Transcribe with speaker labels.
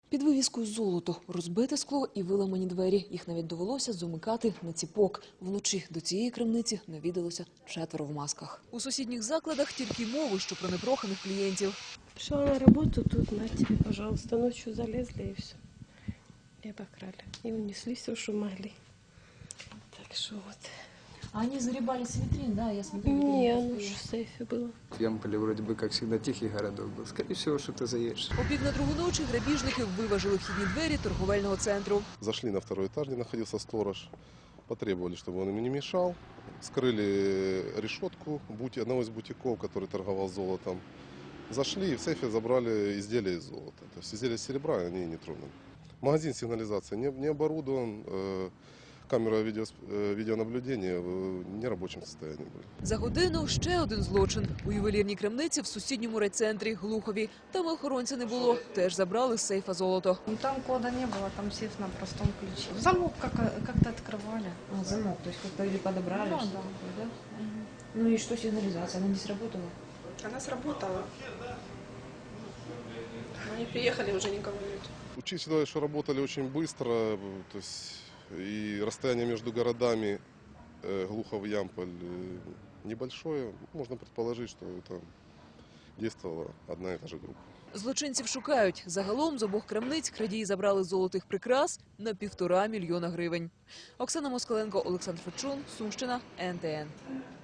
Speaker 1: Під вивіскою «Золото» розбите скло і виламані двері. Їх навіть довелося замикати на ціпок. Вночі до цієї крамниці навідалося 4 в масках. У сусідніх закладах тільки мови, що про непроханих клієнтів.
Speaker 2: Пришла на работу, тут на тебе, пожалуйста, ночью залезли и все. И обокрали. И унесли все, что могли. Так что вот.
Speaker 1: А они загребали с витрин, да? Я смотрю.
Speaker 2: Не, оно же в сейфе было.
Speaker 3: Ямполе вроде бы, как всегда, тихий городок был. Скорее всего, что-то заедешь.
Speaker 1: О 1:30 ночі грабіжники виважили вхідні двері торговельного центру.
Speaker 4: Зашли на второй этаж, где находился сторож. Потребовали, чтобы он им не мешал. Скрыли решетку одного из бутиков, который торговал золотом. Зашли и в сейфе забрали изделия из золота. То есть изделия из серебра они не тронули. Магазин сигнализации не оборудован. Камера відеонаблюдення в нерабочому стані були.
Speaker 1: За годину ще один злочин. У ювелірній крамниці в сусідньому райцентрі Глухові. Там охоронця не було. Теж забрали з сейфа золото.
Speaker 5: Там кода не было, там сейф на простом ключе. Замок как-то открывали.
Speaker 1: А, замок, то есть как-то или подобрали?
Speaker 5: Да,
Speaker 1: что-то
Speaker 5: да.
Speaker 1: такое, да? Ну и что сигнализация? Она не сработала?
Speaker 5: Она сработала. Они приехали, уже никого нет.
Speaker 4: Учитывая, что работали очень быстро, то есть и расстояние между городами Глухов и Ямполь небольшое, можно предположить, что это действовала одна и та же группа.
Speaker 1: Злочинців шукають. Загалом з обох крамниць крадії забрали золотих прикрас на 1,5 мільйона гривень. Оксана Москаленко, Олександр Фечун, Сумщина, НТН.